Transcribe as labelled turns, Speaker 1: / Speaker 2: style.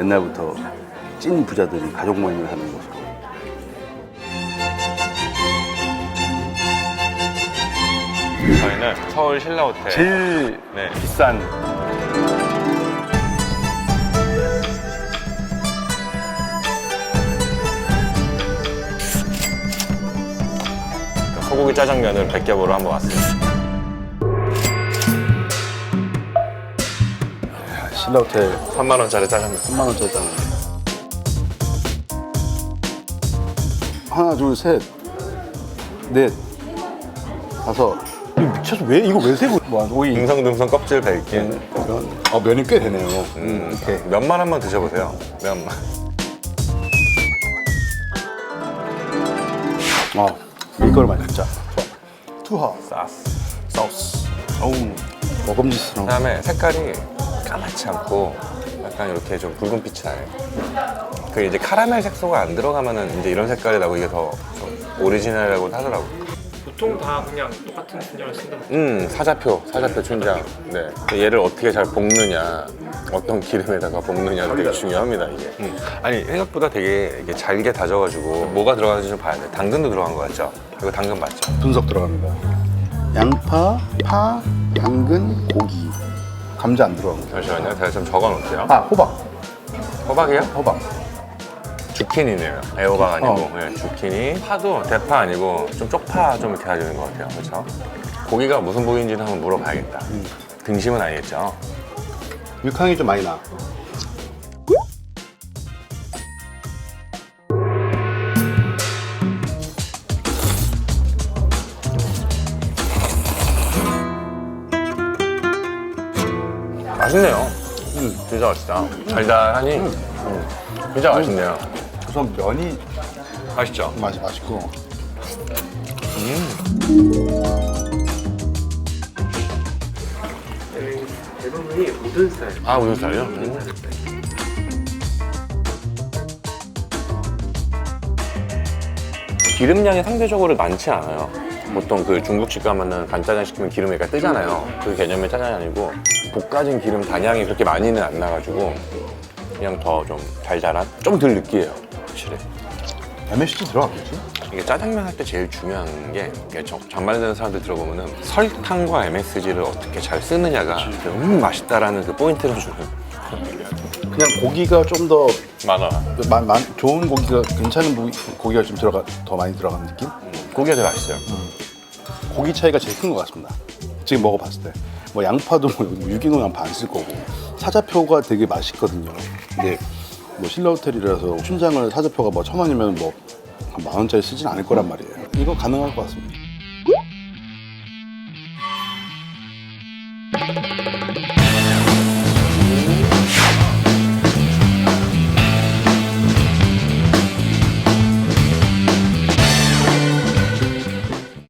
Speaker 1: 옛날부터 찐 부자들이 가족 모임을 하는 곳으로.
Speaker 2: 저희는 서울 신라호텔
Speaker 1: 제일
Speaker 2: 네.
Speaker 1: 비싼
Speaker 2: 소고기 짜장면을 100겹으로 한번 왔습니다.
Speaker 1: 신라호텔
Speaker 2: 3만 원짜리 짜장면.
Speaker 1: 3만 원짜리 짜는 하나 둘 셋 넷 다섯. 이거 미쳐서 왜 이거 왜 세고 뭐 오이
Speaker 2: 듬성듬성 껍질 벨기.
Speaker 1: 면이 꽤 되네요.
Speaker 2: 이렇게 면만 한번 드셔보세요. 면만.
Speaker 1: 밀가루 진짜 좋아. 투하
Speaker 2: 싸스.
Speaker 1: 소스. 어우 먹음직스러운.
Speaker 2: 그다음에 색깔이 까맣지 않고 약간 이렇게 좀 붉은 빛이 나요. 그 이제 카라멜 색소가 안 들어가면은 이제 이런 색깔이 나고 이게 더 좀 오리지널이라고 하더라고.
Speaker 3: 보통 다 그냥 똑같은 춘장을 쓴다고.
Speaker 2: 사자표 춘장. 네. 얘를 어떻게 잘 볶느냐, 어떤 기름에다가 볶느냐도 되게 중요합니다, 이게. 아니, 생각보다 되게 이게 잘게 다져가지고 뭐가 들어가는지 좀 봐야 돼. 당근도 들어간 거 같죠? 이거 당근 맞죠?
Speaker 1: 분석 들어갑니다. 양파, 파, 당근, 고기. 감자 안 들어간 거.
Speaker 2: 잠시만요. 제가 좀 적어 놓을게요.
Speaker 1: 호박.
Speaker 2: 호박이요?
Speaker 1: 호박.
Speaker 2: 주키니네요. 애호박 아니고. 네, 주키니. 파도 대파 아니고 좀 쪽파 좀 이렇게 다지는 것 같아요. 그렇죠? 고기가 무슨 고기인지는 한번 물어봐야겠다. 등심은 아니겠죠?
Speaker 1: 육향이 좀 많이 나.
Speaker 2: 맛있네요. 진짜 맛있다. 달달하니 진짜 맛있네요.
Speaker 1: 우선 면이
Speaker 2: 맛있죠?
Speaker 1: 맛이 맛있고.
Speaker 3: 대부분이 모든 스타일.
Speaker 2: 아, 우유 살요? 기름량이 상대적으로 많지 않아요. 보통 그 중국집 가면은 간짜장 시키면 기름이 약간 뜨잖아요. 그 개념의 짜장이 아니고 볶아진 기름 단양이 그렇게 많이는 안 나가지고 그냥 더 좀 달달한? 좀 덜 느끼해요, 확실히.
Speaker 1: MSG 들어갔겠지?
Speaker 2: 이게 짜장면 할 때 제일 중요한 게 이게 전말되는 사람들 들어보면은 설탕과 MSG를 어떻게 잘 쓰느냐가 맛있다라는 그 포인트를 주는.
Speaker 1: 그냥 고기가 좀 더
Speaker 2: 많아.
Speaker 1: 좋은 고기가 괜찮은 고기가 좀 더 많이 들어간 느낌?
Speaker 2: 고기가 되게 맛있어요.
Speaker 1: 고기 차이가 제일 큰 것 같습니다. 지금 먹어봤을 때. 뭐 양파도 뭐 유기농 양파 안 쓸 거고 사자표가 되게 맛있거든요. 근데 뭐 신라호텔이라서 춘장을 사자표가 뭐 1,000원이면 뭐 한 10,000원짜리 쓰진 않을 거란 말이에요. 이거 가능할 것 같습니다.